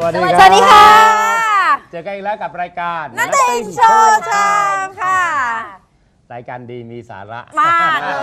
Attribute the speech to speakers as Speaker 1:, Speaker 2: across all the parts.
Speaker 1: วัสดี
Speaker 2: สวัสดีค่ะ
Speaker 1: เจอกันอีกแล้วกับรายการ
Speaker 2: นัตติงโชว์ไทม์ค่ะ
Speaker 1: รายการดีมีสาระ
Speaker 2: มากเลย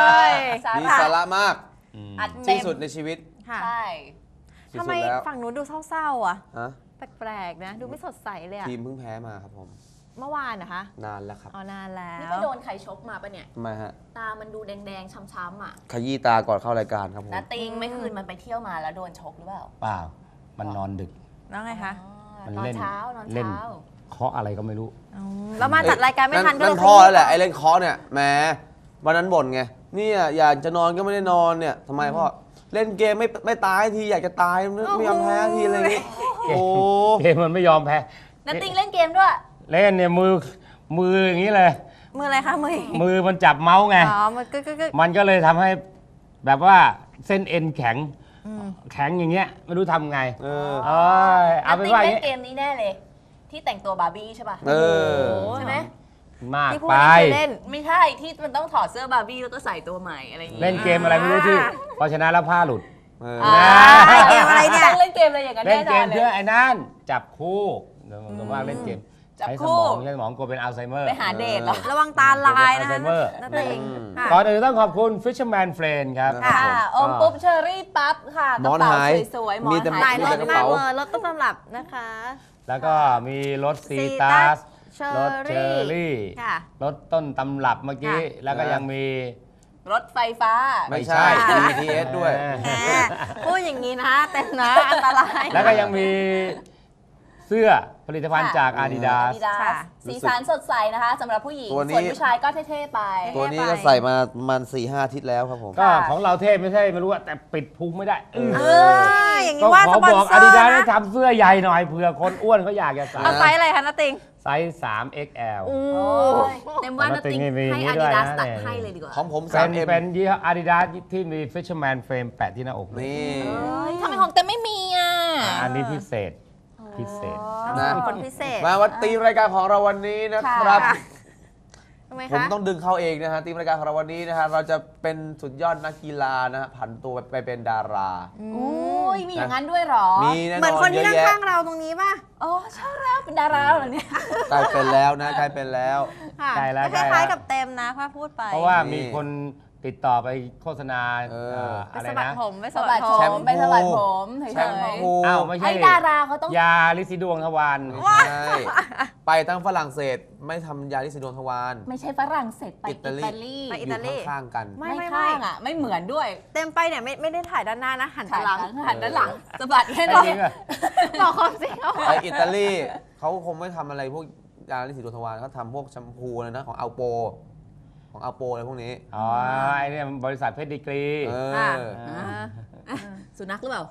Speaker 3: มีสาระมาก
Speaker 2: อัดเต็
Speaker 3: ที่
Speaker 2: ม
Speaker 3: สุดในชีวิต
Speaker 2: ค่ะ
Speaker 4: ใช่
Speaker 3: ที่
Speaker 2: ทำ
Speaker 3: สุ
Speaker 2: ไม
Speaker 3: ดแล้ว
Speaker 2: ฝั่งนู้นดูเศร้าๆอ่ะ
Speaker 3: ฮะ
Speaker 2: แปลกๆนะ ดูไม่สดใสเลยอะ
Speaker 3: ทีมเพิ่งแพ้มาครับผม
Speaker 2: เมื่อวานนะคะ
Speaker 3: นานแล้วครับ
Speaker 2: อ๋อนานแล้
Speaker 4: นี่
Speaker 2: ว
Speaker 4: ไปโดนใครชกมาปะเนี่ย
Speaker 3: ทำไมฮะ
Speaker 4: ตามันดูแดงๆ ช้ำๆอ่ะ
Speaker 3: ขยี้ตาก่อนเข้ารายการครับผม
Speaker 4: นาติงไม่คืนมันไปเที่ยวมาแล้วโดนชกหรือเปล่า
Speaker 1: เปล่ามันนอนดึก
Speaker 2: แล้วไงคะ
Speaker 1: มัน
Speaker 4: นอน
Speaker 1: เล่น
Speaker 4: เช้านอน
Speaker 1: เล่น
Speaker 4: เช้า
Speaker 1: เคาะอะไรก็ไม่รู้
Speaker 2: แล้วมาจัดรายการไม่ทันก็
Speaker 3: นั่
Speaker 2: เลย
Speaker 3: นพ่อแล้วแหละไอ้เล่นเคาะเนี่ยแหมวันนั้นบ่นไงเนี่ยอยากจะนอนก็ไม่ได้นอนเนี่ยทำไมพ่อเล่นเกมไม่ตายทีอยากจะตายไม่ยอมแพ้ทีอะไรนี้โอ้
Speaker 1: เกมมันไม่ยอมแพ้
Speaker 4: นาติงเล่นเกมด้วย
Speaker 1: เล่นเนี่ยมืออย่างนี้เลย
Speaker 2: มืออะไรคะมือ
Speaker 1: มือมันจับเมาส์ไง
Speaker 2: อ๋อมันกึก
Speaker 1: มันก็เลยทำให้แบบว่าเส้นเอ็นแข็งแข็งอย่างเงี้ยไม่รู้ทำไง
Speaker 3: เออ
Speaker 1: เอ้ยเอา
Speaker 4: นา
Speaker 1: เป็น
Speaker 4: ติง
Speaker 1: ว่าอ
Speaker 4: เล่
Speaker 1: ย่าง
Speaker 4: นเก
Speaker 1: งี้
Speaker 4: มนี้แน่เลย ที่แต่งตัวบาร์บี้ใช่ป่ะ
Speaker 3: เออ
Speaker 4: ใช่ไหม
Speaker 1: มาก
Speaker 2: ที่พูด
Speaker 1: ไป
Speaker 2: นี่คือเล่น
Speaker 4: ไม่ใช่ที่มันต้องถอดเสื้อบาร์บี้แล้วก็ใส่ตัวใหม่อะไรอย่างงี้
Speaker 1: เล่นเกมอะไรไม่รู้ที่พอชนะแล้วผ้าหลุด
Speaker 3: เออ
Speaker 4: อ่า
Speaker 2: เกมอะไรเนี่ย
Speaker 4: ต้องเล่นเกมอะไรอย่างนั้น
Speaker 1: เล่น
Speaker 4: แน่น
Speaker 1: เก
Speaker 4: อน
Speaker 1: ม
Speaker 4: เล
Speaker 1: เพื่อย ไอ้นั่นจับคู่เดี๋ยวผมว่าเล่นเกม
Speaker 4: จับ
Speaker 1: ใช้
Speaker 4: คู่
Speaker 1: สมองกลัวเป็นอัลไซเมอร์
Speaker 4: ไปหาเดทเหรอ
Speaker 2: ระวังตาลายนะคะ
Speaker 1: อัลไซเมอร์
Speaker 2: นั่นเองค่ะ
Speaker 1: ก่อนอื่นต้องขอบคุณ Fisherman Friend ครับ
Speaker 2: ค่ะ
Speaker 4: ค่ะอมปุ๊บเชอรี่ปั๊บค่ะก
Speaker 3: หม
Speaker 4: ระ
Speaker 3: อน
Speaker 4: เป๋า
Speaker 3: หาย
Speaker 4: สวยๆหมอ
Speaker 3: มี
Speaker 4: น
Speaker 3: แต่
Speaker 4: หา
Speaker 2: หลาย
Speaker 4: ย
Speaker 2: รส
Speaker 3: กระ
Speaker 2: มาก
Speaker 3: เป๋า
Speaker 2: เลยรสต้นตำรับนะคะ
Speaker 1: แล้วก็มีรถซี
Speaker 2: Citrus
Speaker 1: ตัส
Speaker 2: Cherry
Speaker 1: รถเชอร์รี่
Speaker 2: ค่ะ
Speaker 1: รถต้นตำรับเมื่อกี้
Speaker 2: ค่ะ
Speaker 1: แล้วก็ยังมี
Speaker 4: รถไฟฟ้า
Speaker 3: ไม่ใช่ BTS ด้วย
Speaker 2: แหมพูดอย่างนี้นะเต็มนะอันตราย
Speaker 1: แล้วก็ยังมีเสื้อผลิตภัณฑ์
Speaker 4: ค่ะ
Speaker 1: จาก Adidas
Speaker 4: Adidas
Speaker 2: ค่ะ
Speaker 4: สีสันสดใสนะคะสำหรับผู้หญิง
Speaker 3: ตัวนี้
Speaker 4: ส่วนผู้ชายก็เท่ๆไป
Speaker 3: ตัวนี้ก็ใส่มามัน4-5 อาทิตย์แล้วครับผม
Speaker 1: ก็
Speaker 4: ค่ะ
Speaker 1: ของเราเทพไม่ใช่ไม่รู้อะแต่ปิดพุงไม่ได้
Speaker 2: อย่าง
Speaker 1: ก็
Speaker 2: นี้ว่า
Speaker 1: ข
Speaker 2: ส
Speaker 1: อ
Speaker 2: ปอน
Speaker 1: บอก
Speaker 2: เซอร์
Speaker 1: Adidas ให้
Speaker 2: นะ
Speaker 1: ทำเสื้อใหญ่หน่อยเผื่อคนอ้วนเขาอยากจะใส่
Speaker 2: เอาไซส์อะไรคะนาติง
Speaker 1: ไซส์ 3XL
Speaker 4: โอ้ยเต็มว่านาติง
Speaker 1: มีอย่างนี้
Speaker 4: ให้
Speaker 1: ด้วย
Speaker 4: Adidas
Speaker 1: นะ
Speaker 4: ตัด
Speaker 1: เนี่ย
Speaker 4: ให้เลยดีกว่า
Speaker 3: ของผม
Speaker 1: เป็น
Speaker 3: 3M
Speaker 1: เป็นยี่ห้อ Adidas ที่มี Fisherman Frame แปะที่หน้าอกเลย
Speaker 3: นี่
Speaker 4: เอ้ยทำไมของเต็มไม่มีอ่ะ
Speaker 1: อันนี้พิเศษพิเศษ
Speaker 3: นะ
Speaker 2: มีคนพิเศษ
Speaker 3: มาวันตีมรายการของเราวันนี้นะครับ
Speaker 2: ค่ะ ทำไม
Speaker 3: ผม
Speaker 2: คะ
Speaker 3: ต้องดึงเข้าเองนะฮะทีมรายการของเราวันนี้นะฮะเราจะเป็นสุดยอดนักกีฬานะฮะผันตัวไปเป็นดารา
Speaker 4: โอ้ยมีอย่างนั้นด้วยเหรอ
Speaker 3: มีแน่นอน
Speaker 2: เหมือนคนที่
Speaker 3: เย
Speaker 2: นั่
Speaker 3: อะ
Speaker 2: ง
Speaker 3: แยะ
Speaker 2: ข้างเราตรงนี้ป่ะ
Speaker 4: อ๋อใช่แล้วเป็นดาราเหรอเนี่ย
Speaker 3: กลายเป็นแล้วนะกลายเป็นแล้ว
Speaker 2: ค่ะ
Speaker 1: ใกล้แล้ว
Speaker 2: คล้าย
Speaker 1: ใกล้แล้ว
Speaker 2: ๆกับเต็มนะพ่อพูดไป
Speaker 1: เพราะว่า
Speaker 3: นี่
Speaker 1: มีคนติดต่อไปโฆษณา
Speaker 3: เออ
Speaker 2: ไป
Speaker 1: อะไร
Speaker 2: สะบัด
Speaker 1: นะ
Speaker 2: ผมไป
Speaker 4: ส
Speaker 2: สะ
Speaker 4: บั
Speaker 2: บั
Speaker 4: ด
Speaker 2: ด
Speaker 4: ผ
Speaker 2: ผม
Speaker 3: แช
Speaker 4: ม
Speaker 3: ม
Speaker 4: ไปสบัดผมเฉ
Speaker 3: แชม
Speaker 4: ย
Speaker 3: พู
Speaker 1: อ้าวไม่
Speaker 4: ๆ
Speaker 1: ใช่
Speaker 4: ไอ้ดาราเขาต้อง
Speaker 1: ยาลิซิดวงทวาร
Speaker 3: ไม่ใช่ไปตั้งฝรั่งเศสไม่ทำยาลิซิดวงทวาร
Speaker 4: ไม่ใช่ฝรั่งเศสไป
Speaker 3: อิ
Speaker 4: อิ
Speaker 3: ตาลี
Speaker 4: ตาลี
Speaker 2: ไปอิ
Speaker 3: อยู่
Speaker 2: ตาลี
Speaker 3: ข้างๆกัน
Speaker 2: ไม่
Speaker 4: ไม่ข้างอ่ะ ไม่เหมือนด้วย
Speaker 2: เต็มไปเนี่ยไม่ได้ถ่ายด้านหน้านะ หัน
Speaker 4: หัน
Speaker 2: หลัง
Speaker 4: หันด้านหลังสะบัดแค่
Speaker 1: จ
Speaker 4: นั้น
Speaker 1: ริงอะ
Speaker 2: บอกความจริงเอา
Speaker 3: ไปอิตาลีเขาคงไม่ทำอะไรพวกยาลิซิดวงทวารเขาทำพวกแชมพูอะไรนะของอัลโปอะไรพวกนี้
Speaker 1: อ๋อไอ้เนี่ยมันบริษัทเพชรดีกรี
Speaker 3: เออ
Speaker 4: สุนัขหรือเปล่า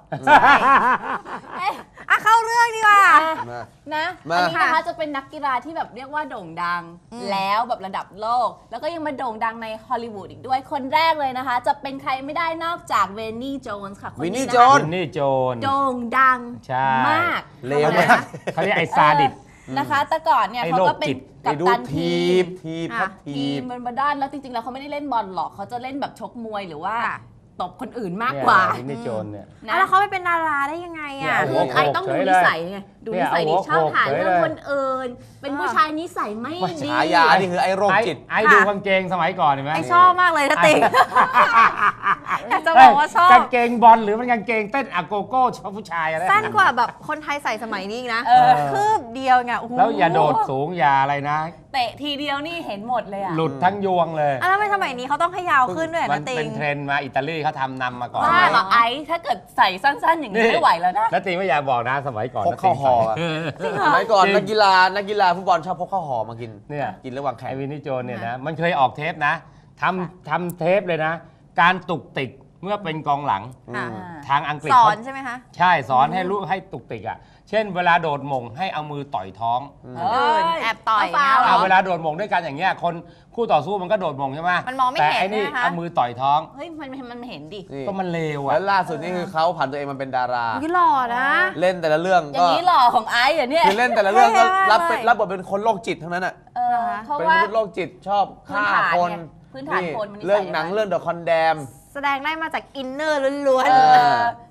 Speaker 2: อ่ะเข้าเรื่องดีกว่า
Speaker 3: มา
Speaker 4: นะ
Speaker 3: มา
Speaker 4: อันนี้นะคะจะเป็นนักกีฬาที่แบบเรียกว่าโด่งดังแล้วแบบระดับโลก แล้วก็ยังมาโด่งดังในฮอลลีวูดอีกด้วยคนแรกเลยนะคะ จะเป็นใครไม่ได้นอกจากเวนนี่โจนส์ค่ะคน
Speaker 3: วินนี่
Speaker 4: นี้
Speaker 3: โจ
Speaker 4: นะคะ
Speaker 3: น
Speaker 1: วินนี่โจน
Speaker 4: โด่งดัง
Speaker 1: ใช่
Speaker 4: มาก
Speaker 3: เลวมาก
Speaker 1: เขาเรียกไอ้ซาดิส
Speaker 4: นะคะ แต่ก่อนเนี่ย
Speaker 1: ไอ้
Speaker 4: เขา
Speaker 1: โรค
Speaker 4: ก็เป็น
Speaker 1: จิต
Speaker 4: กั
Speaker 3: ไป
Speaker 4: ป
Speaker 3: ดู
Speaker 4: ตัน
Speaker 3: ที
Speaker 4: ที
Speaker 3: บ
Speaker 4: ม
Speaker 3: ทีบครับ
Speaker 4: ที
Speaker 3: ที
Speaker 4: ม
Speaker 3: บ
Speaker 4: บนด้านแล้วจริงๆแล้วเขาไม่ได้เล่นบอลหรอกเขาจะเล่นแบบชกมวยหรือว่า
Speaker 2: ค่ะ
Speaker 4: ตบคนอื่นมาก
Speaker 1: เนี่ย
Speaker 4: กว่า
Speaker 1: วินนี่โจนเนี่ย
Speaker 4: นะ
Speaker 2: แล้วเขาไปเป็นดาราได้ยังไง
Speaker 1: เนี่ย
Speaker 2: อ่ะ
Speaker 1: โอ้โห
Speaker 4: ไอ้ต้องดูนิสัยไงดูนิสัย
Speaker 1: เนี่
Speaker 4: ดิ
Speaker 1: ย
Speaker 4: ชอบหา
Speaker 1: โอ้โห
Speaker 4: เรื่องคนอื่นเป็นผู้ชายนิสัยไม่ดี
Speaker 3: ฉายานี่คือไอ้โรคจิต
Speaker 1: ไอ้ดูกางเกงสมัยก่อนเห็นไหม
Speaker 2: ไอชอบมากเลยนะติงอยากจะบอกว่าชอบ
Speaker 1: กางเกงบอลหรือมันกางเกงเต้นอะโกโก้ชอบผู้ชายอะไร
Speaker 2: สั้นกว่าแบบคนไทยใส่สมัยนี้อีกนะ
Speaker 4: เออ
Speaker 2: คืบเดียวไงโอ้โห
Speaker 1: แล้วอย่าโดดสูงอย่าอะไรนะ
Speaker 4: เตะทีเดียวนี่เห็นหมดเลยอ่ะ
Speaker 1: หลุดทั้งยวงเลย
Speaker 2: อ่ะแล้วทำไมสมัยนี้เขาต้องให้ยาวขึ้นด้วย
Speaker 1: มั
Speaker 2: นะ
Speaker 1: น
Speaker 2: ติ
Speaker 1: เป็
Speaker 2: ง
Speaker 1: นเทรนด์มาอิตาลีเขาทำนำมาก่อน
Speaker 4: ว่าเหรอไอ้ถ้าเกิดใส่สั้นๆอย่างนี้ไม่ไหวแล้วนะ
Speaker 1: แล้วตีไม่อยากบอกนะสมัยก่อน
Speaker 3: พกข้าวห่ออะ
Speaker 1: จริง
Speaker 3: สมัยก่อน
Speaker 1: จริง
Speaker 3: นักกีฬาฟุตบอลชอบพกข้าวห่อมากิน
Speaker 1: เนี่ย
Speaker 3: กินระหว่างแข่ง
Speaker 1: ไอวินนี่โจนเนี่ยนะมันเคยออกเทปนะทำเทปเลยนะ การตุกติกเมื่อเป็นกองหลัง
Speaker 2: ค่ะ
Speaker 1: ทางอังกฤษ
Speaker 2: สอน
Speaker 1: เขา
Speaker 2: ใช่ไหมคะ
Speaker 1: ใช่สอนให้รู้ให้ตุกติกอ่ะเช่นเวลาโดดหม่งให้เอามือต่อยท้อง
Speaker 2: แอบต่อย
Speaker 4: เาฟาวเหร
Speaker 1: เอาเวลาโดดหม่งด้วยกันอย่างเงี้ยคนคู่ต่อสู้มันก็โดดหม่งใช่ไหม
Speaker 2: มันมองไม่
Speaker 1: แต่
Speaker 2: เห็น
Speaker 1: ไอ้นี่
Speaker 2: ใช่ไหมคะ
Speaker 1: เอามือต่อยท้อง
Speaker 4: เฮ้ยมันเห็นดิ
Speaker 3: นี่
Speaker 1: ก็มันเลว
Speaker 3: แล้
Speaker 1: อ่ะ
Speaker 3: วล่าสุดนี่คือเขาผ่านตัวเองมาเป็นดารา
Speaker 2: อุ๊ยหล่อนะ
Speaker 3: เล่นแต่ละเรื่อง
Speaker 4: อย่า
Speaker 3: ก็
Speaker 4: งนี้หล่อของไอ้เหรอเนี่ย
Speaker 3: คือเล่นแต่ละเรื่องก็
Speaker 2: เท่มากเลย
Speaker 3: รับบทเป็นคนโรคจิตทั้งนั้นอ่ะ
Speaker 4: เออเพราะ
Speaker 3: เป็น
Speaker 4: ว่าม
Speaker 3: นุษย์โรคจิตชอบฆ่าคน
Speaker 4: พื้นฐานคนมันนิสัย
Speaker 3: เรื่องหนังเรื่อง The Condemn
Speaker 2: แสดงได้มาจากอินเนอร์ล้วน
Speaker 4: เออ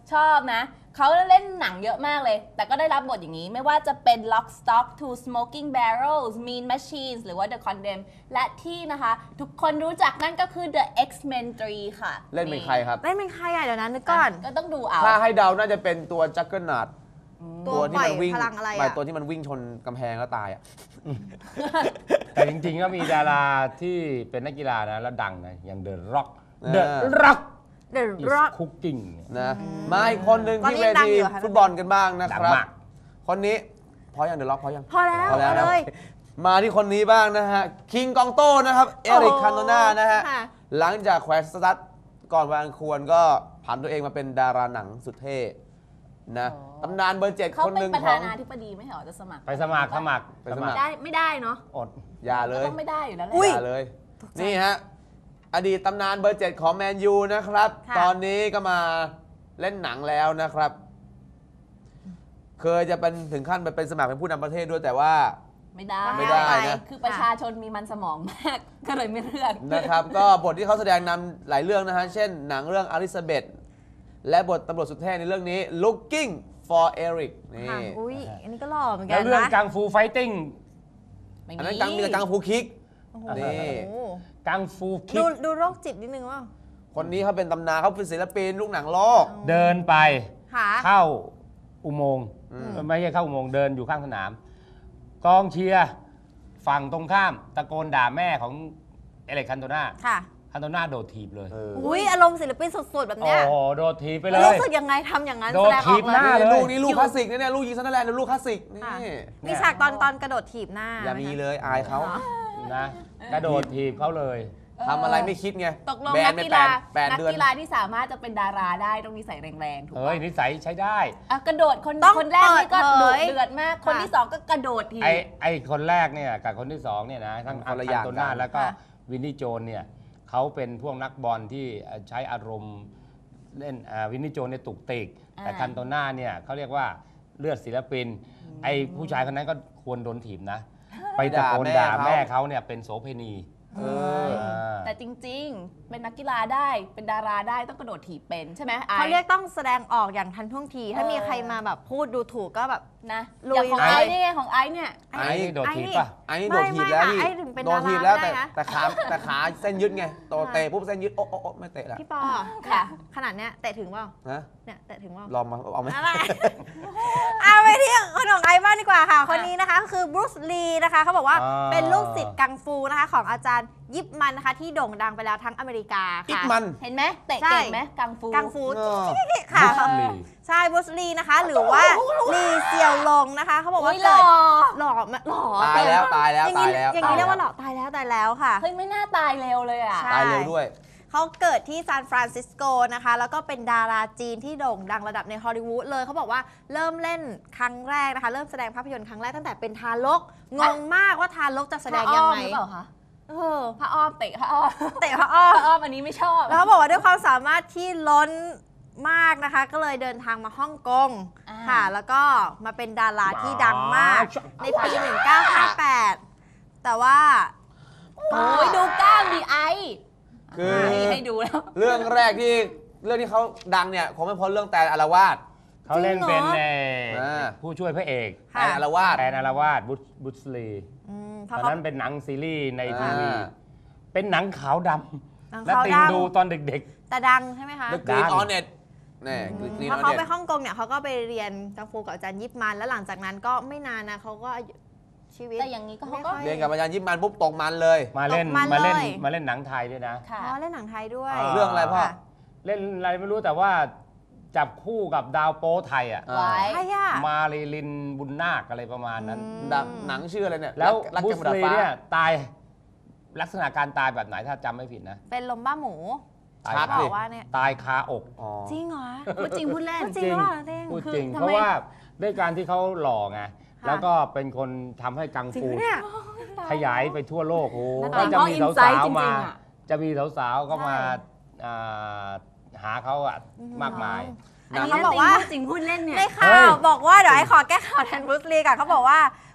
Speaker 4: ชอบนะ เขาเล่นหนังเยอะมากเลย แต่ก็ได้รับบทอย่างนี้ ไม่ว่าจะเป็น Lock Stock to Smoking Barrels Mean Machines หรือว่า The Condemned และที่นะคะ ทุกคนรู้จักนั่นก็คือ The X-Men 3 ค่ะ
Speaker 3: เล่นเป็นใครครับ
Speaker 2: เล่นเป็นใครอ่ะเดี๋ยวนั้นนึกก่อน
Speaker 4: ก็ต้องดูเอา
Speaker 3: ถ้าให้เดาน่าจะเป็นตัวจักเกิลนัด
Speaker 2: ตัวปล่อย
Speaker 3: วิ่ง
Speaker 2: พลังอะไร
Speaker 3: ไม่
Speaker 2: อ่ะ
Speaker 3: ตัวที่มันวิ่งชนกำแพงแล้วตายอ่ะ
Speaker 1: แต่จริงๆก็มีดาราที่เป็นนักกีฬานะแล้วดังนะอย่าง The Rock
Speaker 3: เออ
Speaker 1: The Rock
Speaker 2: The
Speaker 1: is
Speaker 2: Rock
Speaker 1: cooking
Speaker 3: นะมาอีกคนหนึ่ง
Speaker 2: ตอน
Speaker 3: ที่
Speaker 2: นี้
Speaker 3: เว
Speaker 2: ดัง
Speaker 3: ที
Speaker 2: อยู่ค่ะ
Speaker 3: ฟุตบอลกันบ้างนะ
Speaker 1: ดั
Speaker 3: ค
Speaker 1: ง
Speaker 3: รับ
Speaker 1: มาก
Speaker 3: คนนี้พอยังเดอะล็อกพอยัง
Speaker 2: พอแล้ว
Speaker 3: พอแล้ว
Speaker 2: เอา
Speaker 3: นะ
Speaker 2: เลย
Speaker 3: มาที่คนนี้บ้างนะฮะ คิงกองโต้นะครับ เอริก
Speaker 2: โอ้โห
Speaker 3: คันโตนานะฮะ
Speaker 2: ค่ะ
Speaker 3: หลังจากแขวนสตั๊ดก่อนวันอันควรก็ผันตัวเองมาเป็นดาราหนังสุดเท่นะ
Speaker 4: อ๋อ
Speaker 3: ตำนานเบอร์ 7
Speaker 4: เขา
Speaker 3: คน
Speaker 4: เป็
Speaker 3: ห
Speaker 4: น
Speaker 3: นึ่ง
Speaker 4: ประ
Speaker 3: ข
Speaker 4: ธา
Speaker 3: อง
Speaker 4: นาธิบดีไม่เหรอจะสมัคร
Speaker 1: ไปสมัคร
Speaker 3: ไปสมัคร
Speaker 4: ได้ไม่ได้เนาะ
Speaker 1: อด
Speaker 3: อย่าเล
Speaker 4: ก็
Speaker 3: ย
Speaker 4: ต้องไม่ได้อยู่แล้วแหละ
Speaker 2: อุ๊ย
Speaker 3: อย่าเลย นี่ฮะ อดีตตำนานเบอร์ 7 ของแมนยูนะครับ
Speaker 2: ค่ะ
Speaker 3: ตอนนี้ก็มาเล่นหนังแล้วนะครับ เคยจะเป็นถึงขั้นไปเป็นสมัครเป็นผู้นำประเทศด้วยแต่ว่า
Speaker 4: ไม่ได้
Speaker 3: ไม่ได้นะ
Speaker 4: คือประชาชนมีมันสมองมาก ก็เลยไม่เลือก
Speaker 3: นะครับ ก็บทที่เขาแสดงนำหลายเรื่องนะฮะ เช่นหนังเรื่องอลิซาเบธและบทตำรวจสุดเท่ในเรื่องนี้ Looking for Eric นี่
Speaker 2: ค่ะอุ้ยอันนี้ก็หล่อเหมือนกั
Speaker 1: แล้ว
Speaker 2: น
Speaker 1: เรื่อง
Speaker 2: นะ
Speaker 1: กังฟูไฟติ้ง
Speaker 4: ไม่
Speaker 3: อันนั้นกังมีแต่กังฟูคิก
Speaker 2: โอ้โห
Speaker 3: นี่
Speaker 1: กังฟูคิ
Speaker 2: ดู
Speaker 1: ก
Speaker 2: ดูโรคจิตนิดนึงว่า
Speaker 3: คนนี้เขาเป็นตำนานเขาเป็นศิลปินลูกหนังโลก
Speaker 1: เดินไป
Speaker 2: ค่ะ
Speaker 1: เข้าอุโมงค์
Speaker 3: อืม
Speaker 1: ไม่ใช่เข้าอุโมงค์เดินอยู่ข้างสนาม กองเชียร์ฝั่งตรงข้ามตะโกนด่าแม่ของเอเล็กคันโตนา
Speaker 2: ค่ะ
Speaker 1: คันโตนาโดดถีบเลย
Speaker 3: เออ
Speaker 2: อุ้ยอารมณ์ศิลปินสุดๆแบบ
Speaker 1: โอ้
Speaker 2: เนี้ย
Speaker 1: โหโดดถีบไปเลย
Speaker 2: รู้สึกยังไงทำอย่างนั้น
Speaker 1: โด
Speaker 2: แส
Speaker 1: น
Speaker 2: ดงอ
Speaker 1: ถี
Speaker 2: อก
Speaker 1: บ
Speaker 2: เล
Speaker 1: หน้า
Speaker 2: ย
Speaker 1: เลย
Speaker 3: ลูกนี้ลูกคลาสสิกนะเนี่ยลูกยิงซันเดอร์แลนด์ลูกคลาสสิกนี่
Speaker 2: ค่ะ มีฉากตอนกระโดดถีบหน้า
Speaker 3: อย่ามีเลยอายเขา
Speaker 1: นะกระโดดถีบเขาเลย
Speaker 3: ทำอะไรไม่คิดไง
Speaker 4: ตกลง
Speaker 3: แบ
Speaker 4: นั
Speaker 3: น
Speaker 4: ก
Speaker 3: ไป
Speaker 4: กี
Speaker 3: แป
Speaker 4: ฬา
Speaker 3: ดแปด
Speaker 4: นัก
Speaker 3: เดือน
Speaker 4: กีฬาที่สามารถจะเป็นดาราได้ต้องนิสัยแรงๆถูก
Speaker 1: เฮ้
Speaker 4: ปะ
Speaker 1: ยนิสัยใช้ได้
Speaker 4: อ่ะกระโดดคน
Speaker 2: ต้อง
Speaker 4: คนแรกนี่ก็
Speaker 2: เปิ
Speaker 4: ดุ
Speaker 2: ดเผย
Speaker 4: เดือดมาก คนที่สองก็กระโดดที
Speaker 1: ไอคนแรกเนี่ยกับคนที่สองเนี่ยนะทั้ง
Speaker 3: คนละ
Speaker 1: คั
Speaker 3: อย่าง
Speaker 1: นโต
Speaker 3: กั
Speaker 1: นาน แล้วก็วินนี่โจนเนี่ยเขาเป็นพวกนักบอลที่ใช้อารมณ์เล่นวินนี่โจนเนี่ยตุกติก แต่คันโตนาเนี่ยเขาเรียกว่าเลือดศิลปิน ไอผู้ชายคนนั้นก็ควรโดนถีบนะ ไปตะโกนด่าแม่เขาเนี่ยเป็นโสเภณี
Speaker 3: เออ
Speaker 4: แต่จริงๆ เป็นนักกีฬาได้เป็นดาราได้ต้องกระโดดถีบเป็นใช่ไหมไอ
Speaker 2: เขาเรียกต้องแสดงออกอย่างทันท่วงที ถ้ามีใครมาแบบพูดดูถูกก็แบบ
Speaker 4: นะ
Speaker 2: ลุย
Speaker 4: อย่างของ
Speaker 2: เลย
Speaker 4: ไอ้นี่ไงของไอ้เนี่ย
Speaker 3: ไอ้
Speaker 1: ไอ้นี่โดดถีบป่ะ
Speaker 3: ไอ้นี่โดดถีบแล้ว
Speaker 2: ไม่
Speaker 3: พี่
Speaker 2: ไอ้ถึงเป็น
Speaker 3: โดดถีบแล้ว
Speaker 2: ดารา
Speaker 3: แต่
Speaker 2: ได้นะ
Speaker 3: แต่ขาเส้นยึดไงโตเตะปุ๊บเส้นยึดโอ๊ะโอ๊ะโอ๊ะไม่เตะแล้ว
Speaker 2: พี่ปอ
Speaker 4: ค่ะ
Speaker 2: ขนาดเนี้ยเตะถึงเปล่า
Speaker 3: นะ
Speaker 2: เนี่ยเตะถึงเปล่า
Speaker 3: ลองมาเอาไหม
Speaker 2: อะไร เอาไปที่คนของไอซ์บ้างดีกว่าค่ะ คนนี้นะคะคือบรูซลีนะคะเขาบอกว่า
Speaker 1: อ่า
Speaker 2: เป็นลูกศิษย์กังฟูนะคะของอาจารย์ยิปมันนะคะที่โด่งดังไปแล้วทั้งอเมริกา
Speaker 3: อิก
Speaker 2: ค่ะ
Speaker 3: มัน
Speaker 4: เห็นไหมเตะ
Speaker 2: ใช่
Speaker 4: เก่งไหมกังฟู
Speaker 2: กังฟู
Speaker 3: เออ
Speaker 2: ค่ะ
Speaker 1: บุสลี
Speaker 2: ใช่บรูซลีนะคะ หรือว่าลีเซียวลงนะคะเขาบอกว่า
Speaker 4: อุ๊ยหล่
Speaker 2: เกิ
Speaker 4: อ
Speaker 2: ดหล่อไหมหล่อ
Speaker 3: ตายแล้วตายแล้ว
Speaker 2: อย่าง
Speaker 3: ตาย
Speaker 2: นี้
Speaker 3: แล้ว
Speaker 2: อย่างนี้เรียกว่าหล่อตายแล้วค่ะ
Speaker 4: เฮ้ยไม่น่าตายเร็วเลยอ่ะ
Speaker 2: ใช่
Speaker 3: ตายเร็วด้วย
Speaker 2: เขาเกิดที่ซานฟรานซิสโกนะคะ แล้วก็เป็นดาราจีนที่โด่งดังระดับในฮอลลีวูดเลย เขาบอกว่าเริ่มเล่นครั้งแรกนะคะ เริ่มแสดงภาพยนตร์ครั้งแรกตั้งแต่เป็นทารก งงมากว่าทารกจะแสดงยังไง
Speaker 4: พระอ้อมหรือเปล่าคะ
Speaker 2: เออ
Speaker 4: พระอ้อมเตะพระอ้อม
Speaker 2: เตะพระอ้อม
Speaker 4: พระอ้อมอันนี้ไม่ชอบ
Speaker 2: แล้วเขาบอกว่าด้วยความสามารถที่ล้นมากนะคะ ก็เลยเดินทางมาฮ่องกง
Speaker 4: อ่า
Speaker 2: ค่ะ แล้วก็มาเป็นดาราที่ดังมาก ในปี 1958 แต่ว่า
Speaker 4: โอ้ยดูกล้ามดีไอ
Speaker 3: คือ
Speaker 4: ให้ดูแล้ว
Speaker 3: เรื่องแรกที่เขาดังเนี่ยคงไม่พ้นเรื่องแต่อารวาส
Speaker 1: เขาเล่นเป็น
Speaker 3: อ่า
Speaker 1: ผู้ช่วยพระเอก
Speaker 2: ค่ะ
Speaker 3: แต่อารวาส
Speaker 1: แอนอารวาสบุสลี
Speaker 2: เพ
Speaker 1: ต
Speaker 2: ราะ
Speaker 1: อน
Speaker 2: เขา
Speaker 1: นั้นเป็นหนังซีรีส์ในที
Speaker 3: อ่า
Speaker 1: วี เป็นหนังขาวด
Speaker 2: หนัง
Speaker 1: ำและ
Speaker 2: ขาว
Speaker 1: ติง
Speaker 2: ดำ
Speaker 1: ดูตอนเด็ก
Speaker 2: แต่ดังใช่ไหมคะ
Speaker 3: The Green Hornet นี่ Green
Speaker 2: พอเขาไป
Speaker 3: Hornet
Speaker 2: ฮ่องกงเนี่ยเขาก็ไปเรียนกังฟูกับอาจารย์ยิปมัน แล้วหลังจากนั้นก็ไม่นานนะเขาก็ชีวิต
Speaker 4: แต่อย่างนี้ก็เขาก็
Speaker 2: ไม่ค่อย
Speaker 3: เรียนกับอาจารย์ยิปมันปุ๊บตกมันเลย
Speaker 1: ๆ มาเล่น
Speaker 2: ตกมัน
Speaker 1: มาเล่น
Speaker 2: เลย
Speaker 1: มาเล่นหนังไทยด้วยนะ
Speaker 4: ค่ะ
Speaker 2: อ๋อเล่นหนังไทยด้วย
Speaker 1: อ่า
Speaker 3: เรื่องอะไรพ่อ
Speaker 2: ค่ะ
Speaker 1: เล่นอะไรไม่รู้แต่ว่าจับคู่กับดาวโป๊ไทยอ่ะ
Speaker 3: อ่า
Speaker 4: ไว้
Speaker 2: ใครอ่ะ
Speaker 1: มารีลินบุญนาคอะไรประมาณนั้น
Speaker 3: หนังชื่ออะไรเนี่ย
Speaker 1: แล้ว
Speaker 3: รัก
Speaker 1: บุ
Speaker 3: กัน
Speaker 1: ส
Speaker 3: บนดาด
Speaker 1: ลี
Speaker 3: ฟ้า
Speaker 1: เนี่ยตายลักษณะการตายแบบไหนถ้าจำไม่ผิดนะ
Speaker 2: เป็นลมบ้าหมู
Speaker 1: ตาย
Speaker 3: ชัด
Speaker 1: คา
Speaker 3: ดิ
Speaker 2: บอกว่าเนี่ย
Speaker 1: ตายคาอก
Speaker 3: อ๋อ
Speaker 2: จริงเหรอ
Speaker 4: พูดจริงพูดเล่น
Speaker 2: จริงหรือเปล่าเต้ง
Speaker 1: พูด
Speaker 4: คือ
Speaker 1: จริง
Speaker 4: ทำไม
Speaker 1: เพราะว่าด้วยการที่เขาหล่อไง
Speaker 2: ค่ะ
Speaker 1: แล้วก็เป็นคนทำให้กัง
Speaker 2: จริง
Speaker 1: ฟู
Speaker 2: ปะเนี่ย
Speaker 1: ขยายไปทั่วโลก
Speaker 4: แล้ว
Speaker 1: ก็จะมี
Speaker 4: เขา
Speaker 1: สาว
Speaker 4: insight
Speaker 1: ๆมา
Speaker 4: จริงๆอะ
Speaker 1: จะมีสาวๆก็มา
Speaker 2: ใช่
Speaker 1: อ่าหาเขาอะมากมาย
Speaker 2: อันนี้เขาบอกว่า
Speaker 4: จริงพูดเล่นเนี่ย
Speaker 2: ในข่า
Speaker 1: เฮ้
Speaker 2: วย บอกว่าเดี๋ยวไอ้ขอแก้ข่าวแทนบรูซลีก่อนเขาบอกว่า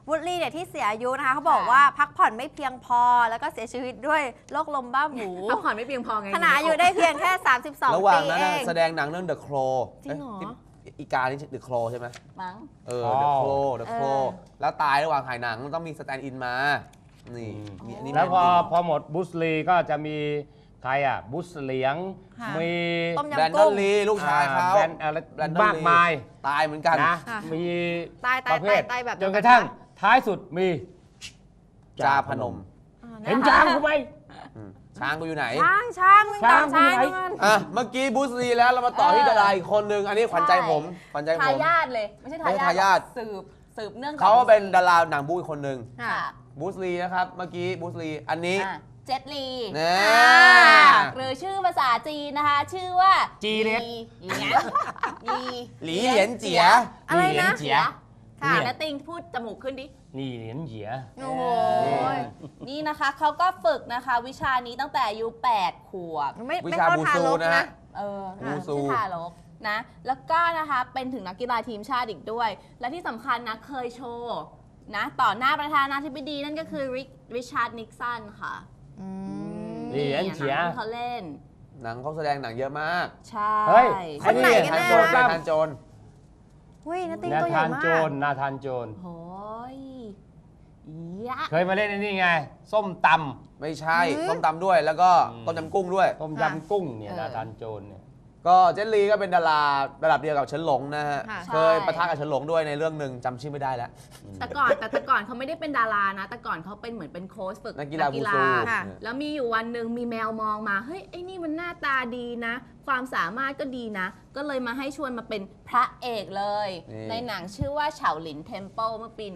Speaker 2: วูดลี่เนี่ยที่เสียอายุนะคะเขาบอกว่าพักผ่อนไม่เพียงพอแล้วก็เสียชีวิตด้วยโรคลมบ้าหมู
Speaker 4: พักผ่อนไม่เพียงพอไง
Speaker 2: ขณะอายุได้เพียงแค่
Speaker 3: ระหว่า
Speaker 2: 32
Speaker 3: ง
Speaker 2: ปี
Speaker 3: นั้น
Speaker 2: เอ
Speaker 3: น่ะ
Speaker 2: ง
Speaker 3: แสดงหนังเรื่อง The Crow
Speaker 2: จริงเหรอ
Speaker 3: อีกานี่ The Crow ใช่ไหม
Speaker 4: มั้ง
Speaker 3: The Crow แล้วตายระหว่างถ่ายหนังต้องมีสแตนด์อินมา นี่มีอันนี้
Speaker 1: แล้วพอ
Speaker 3: จริง
Speaker 1: พอหมดบุสลีก็จะมีใครอ่ะบุสเหลียง
Speaker 2: ค่ะ
Speaker 1: มี
Speaker 2: ต้ม
Speaker 3: แบรน
Speaker 2: ยำ
Speaker 3: ดอ
Speaker 2: กุ้
Speaker 3: น
Speaker 2: ง
Speaker 3: ลีลูกชายเขา
Speaker 1: แบรนด์อะไร
Speaker 3: แบรนดอน
Speaker 1: มากมาย
Speaker 3: ตายเหมือนกัน
Speaker 1: นะ
Speaker 2: ค่ะ
Speaker 1: มี
Speaker 2: ตาย
Speaker 1: ประเภท
Speaker 2: ตายแบบ
Speaker 1: จนกระทั่งท้ายสุดมี
Speaker 3: จาพนม
Speaker 1: เห็นช้างกูไหม
Speaker 3: ช้างกูอยู่ไหน
Speaker 2: ช้างมึงตาม
Speaker 1: ช้า
Speaker 2: ช้าง ง
Speaker 1: มึงไหน
Speaker 2: มัน
Speaker 3: อ่ะ เมื่อกี้บูสลีแล้วเรามาต่อที่ดาราอีกคนนึง อันนี้ขวัญใจผมขวัญใจผ
Speaker 4: ทาม ยาทเลย ไม่ใช่
Speaker 3: ไม่ใช่ทายาท
Speaker 4: สืบเนื่องจก
Speaker 3: เขาเป็นดาราหนังบูอีกคนนึง
Speaker 2: ค่ะ
Speaker 3: บูสลีนะครับ เมื่อกี้บูสลีอันนี้
Speaker 4: อ่ะเจ็ตลี
Speaker 3: นะ
Speaker 4: หรือชื่อภาษาจีนนะคะ ชื่อว่า
Speaker 1: จีเล็ก
Speaker 4: หลีหลี
Speaker 3: หลีเหลียนเจีย
Speaker 2: อะไรนะ
Speaker 1: เหรียญเจีย
Speaker 4: ค่ะ
Speaker 1: เนี่ย
Speaker 4: แล้วติงพูดจมูกขึ้นดิ
Speaker 1: นี่เหรียญเหีย
Speaker 2: โอ้โห
Speaker 4: นี่นะคะเขาก็ฝึกนะคะวิชานี้ตั้งแต่อายุ8 ขวบ
Speaker 2: ไม่
Speaker 3: วิ
Speaker 2: ไม่
Speaker 3: ชา
Speaker 2: เข้า
Speaker 3: บู
Speaker 2: ทา
Speaker 3: ซู
Speaker 2: รก
Speaker 3: นะ
Speaker 2: นะ
Speaker 3: ฮะ
Speaker 4: ค่ะ
Speaker 3: วูซู
Speaker 4: ชื่อทารกนะ แล้วก็นะคะเป็นถึงนักกีฬาทีมชาติอีกด้วย และที่สำคัญนะเคยโชว์นะต่อหน้าประธานาธิบดีนั่นก็คือริชาร์ดนิกสันค่ะ
Speaker 2: อืม
Speaker 1: เหรียญเฉีย
Speaker 4: หนังที่เขาเล่น
Speaker 3: หนังเขาแสดงหนังเยอะมาก
Speaker 4: ใช่
Speaker 1: เฮ้ย
Speaker 2: คนไหนกัน
Speaker 3: ทาน
Speaker 2: แน่
Speaker 3: โจร
Speaker 2: นะ
Speaker 3: ทานโจร
Speaker 2: อุ้ยนาติง
Speaker 1: นา
Speaker 2: ตัวใหญ่
Speaker 1: ธาน
Speaker 2: มา
Speaker 1: โจ
Speaker 2: ก
Speaker 1: รนาธานโจร
Speaker 4: โอ้ยยะ
Speaker 1: เคยมาเล่นไอ้นี่ไง ส้มต
Speaker 3: ไม่ใช่ต้มตำด้วยแล้วก็ต้มยำกุ้งด้วย
Speaker 1: ำต้มยำกุ้งเนี่ยนาธานโจรเนี่ย
Speaker 3: ก็เจนลีก็เป็นดาราระดับเดียวกับเฉินหลงนะฮะ
Speaker 2: ค่ะ
Speaker 3: เคยปะทะกับเฉินหลงด้วยในเรื่องหนึ่งจำชื่อไม่ได้แล้ว
Speaker 4: แต่ก่อนเขาไม่ได้เป็นดารานะ แต่ก่อนเขาเป็นเหมือนเป็นโค้ชฝึก
Speaker 3: นักกีฬาบูซู
Speaker 2: ค่ะ
Speaker 4: แล้วมีอยู่วันหนึ่งมีแมวมองมา เฮ้ย ไอ้นี่มันหน้าตาดีนะ ความสามารถก็ดีนะ ก็เลยมาให้ชวนมาเป็นพระเอกเลย ในหนังชื่อว่าเฉาหลินเทมเพิลเมื่อปี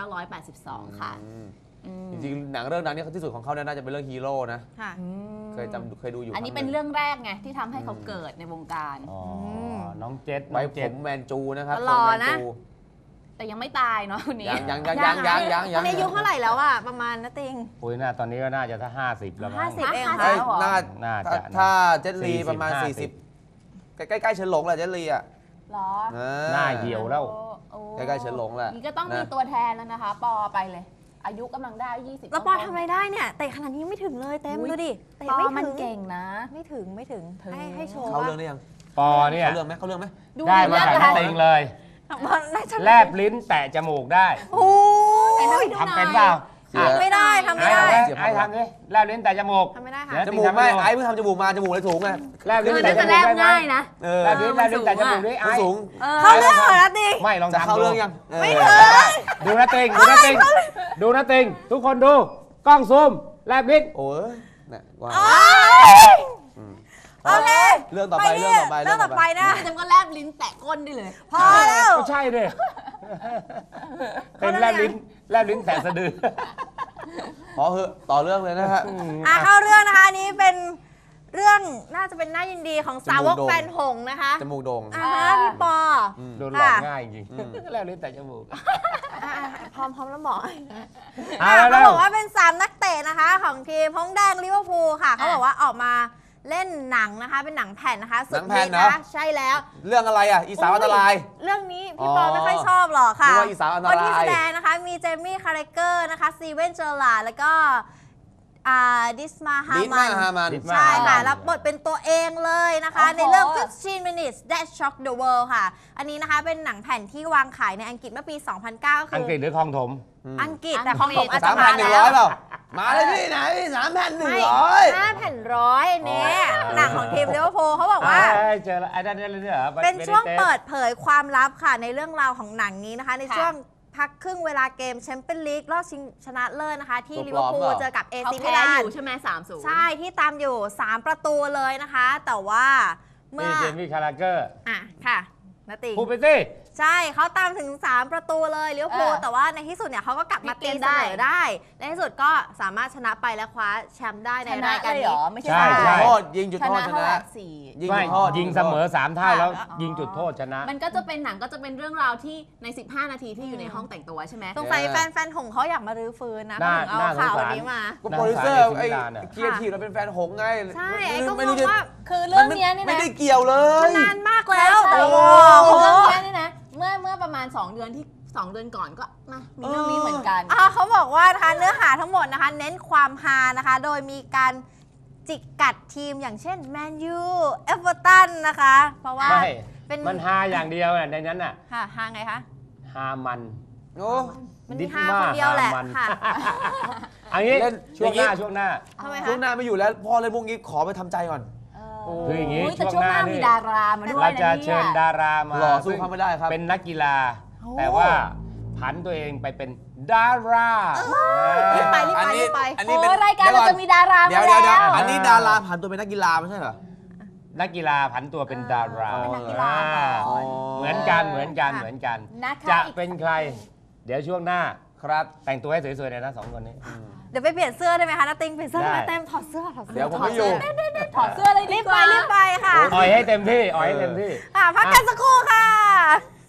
Speaker 4: 1982 ค่ะ
Speaker 3: จริงๆหนังเรื่องนั้นเนี่ยที่สุดของเขาเนี่ยน่าจะเป็นเรื่องฮีโร่นะ
Speaker 2: ค่ะ
Speaker 3: เคยดูอยู่
Speaker 4: อันนี้
Speaker 3: ค
Speaker 4: เป็น
Speaker 3: ห
Speaker 4: เรื่องแรกไงที่ทำให้เขาเกิดในวงการ
Speaker 1: อ๋อน้องเจ็ด
Speaker 3: ไว้
Speaker 1: น้อง
Speaker 3: ผ
Speaker 1: เจ็ด
Speaker 3: มแมนจูนะครับ
Speaker 2: หล่อ
Speaker 3: ทรงแม
Speaker 2: นะ
Speaker 3: จู
Speaker 4: แต่ยังไม่ตายเนาะคนนี้
Speaker 3: ยัง
Speaker 2: ตอนนี้อายุเท่าไหร่แล้วอะประมาณนาติง
Speaker 1: ปุ้ยน่าตอนนี้ก็น่าจะถ้า 50 แล้วมั้ง
Speaker 2: 50 เอง
Speaker 3: เอ้
Speaker 2: ค่ะ
Speaker 3: ยน่า
Speaker 1: น่าจะนะ
Speaker 3: ถ้าเจนลีประมาณ
Speaker 1: 40
Speaker 3: 40 ใกล้ๆเฉินหลงแหละเจนลีอ่ะ
Speaker 4: เหรอ
Speaker 1: หน้าเหี่ยวแล้ว
Speaker 4: โอ้
Speaker 3: ใกล้ๆเฉินหลงแหละ
Speaker 4: นี่ก็ต้องมี
Speaker 3: นะ
Speaker 4: ตัวแทนแล้วนะคะ ปอไปเลย อายุกำลังได้ 20
Speaker 2: แล้วปอทำอะไรได้เนี่ยเตะขนาดนี้ยังไม่ถึงเลยเต็มดูดิเตะ
Speaker 4: ปอ
Speaker 2: ไม่
Speaker 4: มัน
Speaker 2: ถึง
Speaker 4: เก่งนะ
Speaker 2: ไม่ถึง
Speaker 4: ถึง
Speaker 2: ให้โชว์
Speaker 3: เขา
Speaker 2: ว่า
Speaker 3: เรื่องได้ยัง
Speaker 1: ปอเนี่ย
Speaker 3: เขาเรื่องไหม
Speaker 4: ดู
Speaker 1: ได้มาจาก
Speaker 4: เย
Speaker 1: น้
Speaker 4: อะ
Speaker 1: ติงเลย
Speaker 2: น่าจะ
Speaker 1: แลบลิ้นแตะจมูกได้
Speaker 2: โอ้
Speaker 4: แต่
Speaker 2: ย
Speaker 4: ถ้าไปดูห
Speaker 1: ทำ
Speaker 4: น่
Speaker 1: เป็น
Speaker 4: อย
Speaker 1: เปล่า
Speaker 3: เสีย
Speaker 2: ไม่ได้ทำไม่ได้
Speaker 1: ไอ้ทำดิแลบลิ้นแตะจมูก
Speaker 2: ทำไม่ได้ค่ะ
Speaker 1: เดี๋ยว
Speaker 3: จมูกไม่ไอ้เพิ่งทำจมูกมาจมูกเลยสูงไง
Speaker 1: แลบลิ้น
Speaker 4: คือ
Speaker 1: แตะ
Speaker 4: น่า
Speaker 1: จ
Speaker 4: จะ
Speaker 1: มูก
Speaker 4: แลบ
Speaker 1: ได้ไหม
Speaker 4: ง่ายนะ
Speaker 1: แลบลิ้นแลบลิ้นแตะจมูกดิ
Speaker 3: มั
Speaker 1: ไอ้
Speaker 3: นสูง
Speaker 2: เข้าเรื่องเหรอนาติง
Speaker 1: ไม่ลอง
Speaker 3: จะ
Speaker 1: ทำ
Speaker 3: เข้า
Speaker 1: ดู
Speaker 3: เรื่องยัง
Speaker 2: ไม่
Speaker 3: เอ
Speaker 2: ถึ
Speaker 3: อง
Speaker 1: ดูนะติงดูนะติงดูนะติงทุกคนดูกล้องซูมแลบลิ้น
Speaker 3: โอ้ยเนี่ยว่า
Speaker 2: โอเค
Speaker 3: เรื่องต่อไป
Speaker 2: เรื่องต่อไปนะ
Speaker 4: จำก็แลบลิ้นแตะก้นได้เลย
Speaker 2: พอแล้ว
Speaker 1: ก็ใช่ดิเป็นแลบลิ้นแตะสะดือ
Speaker 3: พอเหอะต่อเรื่องเลยนะฮะ
Speaker 2: เข้าเรื่องนะคะอันนี้เป็นเรื่องน่าจะเป็นน่ายินดีของสาวก
Speaker 3: จมูกโด่ง
Speaker 2: แฟนหงส์นะคะ
Speaker 3: จมูกโด่ง
Speaker 2: พี่ปอ
Speaker 1: โดนหลอกง่ายจริงแลบลิ้นแตะจมูก
Speaker 2: พร้อมแล้วหมอ
Speaker 1: เอา
Speaker 2: เขา
Speaker 1: แล้ว
Speaker 2: บอกว่าเป็น3นักเตะนะคะของทีมฮงแดงลิเวอร์พูลค่ะเขาบอกว่าออกมาเล่นหนังนะคะเป็นหนังแผ่นนะคะสุดฮิตนะใช่แล้ว
Speaker 3: เรื่องอะไรอ่ะอีสาวอันตราย
Speaker 2: เรื่องนี้พี่ปอไม่ค่อยชอบหรอกค่ะ
Speaker 3: นึกว่าอีสานอันตราย
Speaker 2: คนที่แสดงนะคะมีเจมี่คาร์เรเกอร์นะคะซีเวนเจอร์ลาแล้วก็ดิสมาฮา
Speaker 3: ดิส
Speaker 2: มั
Speaker 3: มาน ฮามัน
Speaker 2: ใช่ค่ะรับบทเป็นตัวเองเลยนะคะ
Speaker 4: โอ้โห
Speaker 2: ในเรื่อง 15 minutes that shock the world ค่ะ อันนี้นะคะเป็นหนังแผ่นที่วางขายในอังกฤษเมื่อปี 2009 คื
Speaker 1: อังกฤษหรือคลองถม
Speaker 2: อังกฤษแต่ของผมอาจจะ
Speaker 3: 3,100
Speaker 2: มาแล้ว
Speaker 3: เปล่ามาเลยพี่ไหน3,100
Speaker 2: 5แผ่นร้อยอันนี้หนังของทีมลิเวอร์พูลเขาบอกว่า
Speaker 1: เจอแล้วไอ้นั่นเหรอ
Speaker 2: เป็นช่วงเปิดเผยความลับค่ะในเรื่องราวของหนังนี้นะคะ ในช่วงพักครึ่งเวลาเกมแชมเปี้ยนลีกรอบชิงชนะเลิศนะคะ ที่ลิเวอร์พูลเจอกับเอ
Speaker 4: เขา
Speaker 2: ซีมิ
Speaker 4: แพ้
Speaker 2: ลา
Speaker 4: อน ยู่ใช่ไหม3-0
Speaker 2: ใช่ที่ตามอยู่ 3 ประตูเลยนะคะ แต่ว่าเมื่
Speaker 1: นี่
Speaker 2: อ
Speaker 1: เจมี่คาราเกอร์
Speaker 2: ค่ะนาติง
Speaker 1: พูดไปสิ
Speaker 2: ใช่เขาตามถึง 3 ประตูเลยลิเวอร์พูล
Speaker 4: เออ
Speaker 2: แต่ว่าในที่สุดเนี่ยเขาก็กลับมา
Speaker 4: พลิ
Speaker 2: ตี
Speaker 4: กเกม
Speaker 2: เส
Speaker 4: ได้
Speaker 2: มอได้ในที่สุดก็สามารถชนะไปและคว้าแชมป์ได้ใน
Speaker 4: ชนะ
Speaker 2: รายการ
Speaker 4: เลยเหร
Speaker 2: นี้
Speaker 4: อ ไม่ใช่
Speaker 1: ใช่
Speaker 3: จุดโทษยิงจุด
Speaker 4: ช
Speaker 3: โทษ
Speaker 4: นะ
Speaker 3: ช
Speaker 4: เท่าไห
Speaker 3: นะ
Speaker 4: ร่4
Speaker 3: ยิง
Speaker 1: ไม่
Speaker 3: จุดโทษ
Speaker 1: ยิงเสมอ3เท่าแล้ว
Speaker 4: อ๋อ
Speaker 1: ยิงจุดโทษชนะ
Speaker 4: มันก็จะเป็นหนังก็จะเป็นเรื่องราวที่ใน 15 นาทีที่อยู่ในห้องแต่งตัวใช่ไหม
Speaker 2: สงสัยแฟนๆของเขาอยากมารื้อฟื้นนะ
Speaker 1: น่า
Speaker 2: ถึงเอาข่าว
Speaker 1: น่าสงสาร
Speaker 2: นี้มา
Speaker 3: ก็โปรดิวเซอร์
Speaker 1: น่าสงสาร
Speaker 3: ไอ้
Speaker 1: เอซิมิลานอะ
Speaker 3: เกียร์ทีเราเป็นแฟนหงส์ไง
Speaker 2: ใช่ไอ้ก็
Speaker 3: ไม่
Speaker 2: ง
Speaker 3: รู้
Speaker 2: ง
Speaker 3: จะ
Speaker 2: ว่า
Speaker 4: คือเรื่องเนี้ยนี่
Speaker 3: ไม่
Speaker 4: นะ
Speaker 3: ได้เกี่ยวเลย
Speaker 2: นานมากแล้ว
Speaker 4: ใช่
Speaker 2: แต่
Speaker 4: ใช่
Speaker 2: ว่า
Speaker 4: เรื่องเนี้ยนี่นะเมื่อประมาณ2 เดือนที่ 2 เดือนก่อนก็มามีเรื่องนี้เหมือนกัน
Speaker 2: เขาบอกว่านะคะเนื้อหาทั้งหมดนะคะ เน้นความฮานะคะ โดยมีการจิกกัดทีมอย่างเช่นแมนยูเอเวอร์ตันนะคะ เพราะว่า
Speaker 1: ไม่
Speaker 2: เป็น
Speaker 1: มันฮาอย่างเดียวน่ะในนั้นน่ะ
Speaker 2: ค่ะฮาไงคะ
Speaker 1: ฮามัน
Speaker 3: โอ้
Speaker 2: มันมีฮาคนเดียวแหละ
Speaker 1: ฮามัน
Speaker 2: ค่ะ
Speaker 1: อันนี้
Speaker 3: เล่น
Speaker 1: ช่วงหน้า
Speaker 3: อย่างงี้
Speaker 1: ช่วงหน้า
Speaker 2: ทำไม
Speaker 3: ช่วง
Speaker 2: คะ
Speaker 3: หน้าไม่อยู่แล้วพ่อเล่นพวกนี้ขอไปทำใจก่อน
Speaker 1: คืออย่างนี้
Speaker 4: นี้แต่ช่วงหน้า
Speaker 1: ช่วงหน้านี่
Speaker 4: มีดารามาด้วย
Speaker 1: เรา
Speaker 4: นะ
Speaker 1: จะ
Speaker 4: เนี่
Speaker 1: เชิญ
Speaker 4: ย
Speaker 1: ดารามา
Speaker 3: หล่อสู้เขาไม่ได้ครับ
Speaker 1: เป็นนักกีฬา
Speaker 2: โอ้
Speaker 1: แต่ว่าผันตัวเองไปเป็นดารา
Speaker 2: รีบไปรีบไปรีบไป
Speaker 3: อันนี้
Speaker 4: โอ้
Speaker 3: เป็น
Speaker 4: รายการเราจะมีดารา
Speaker 3: เดี๋ยว
Speaker 4: มา
Speaker 3: เดี๋ยว
Speaker 4: แล้ว
Speaker 3: อันนี้ดาราผ่านตัวเป็นนักกีฬาไม่ใช่เหรอ
Speaker 1: นักกีฬาผันตัวเป็นดารา
Speaker 2: เป็นนักกีฬา
Speaker 3: อ๋อ
Speaker 1: เหมือนกันเหมือนกันเหมือนกัน
Speaker 4: นะคะ
Speaker 1: จะ
Speaker 4: อีก
Speaker 1: เป็นใคร เดี๋ยวช่วงหน้า
Speaker 3: ครับ
Speaker 1: แต่งตัวให้สวยๆเลยนะ2 คนนี้
Speaker 2: เดี๋ยวไปเปลี่ยนเสื้อได้ไหมคะนาติงเปลี่ยนเสื้อได้ไหม
Speaker 1: ได้
Speaker 2: เต็มถอดเสื้อถอดเสื้อ
Speaker 3: เดี๋ยวผมไม่อยู่
Speaker 4: ถอดเสื้อเลยดี
Speaker 2: รีบ
Speaker 4: ก
Speaker 2: ไป
Speaker 4: ว่า
Speaker 2: รีบไปค่ะ
Speaker 1: อ่อยให้เต็มที่อ่อยให้เต็มที่
Speaker 2: พักกันสักครู่ค่ะ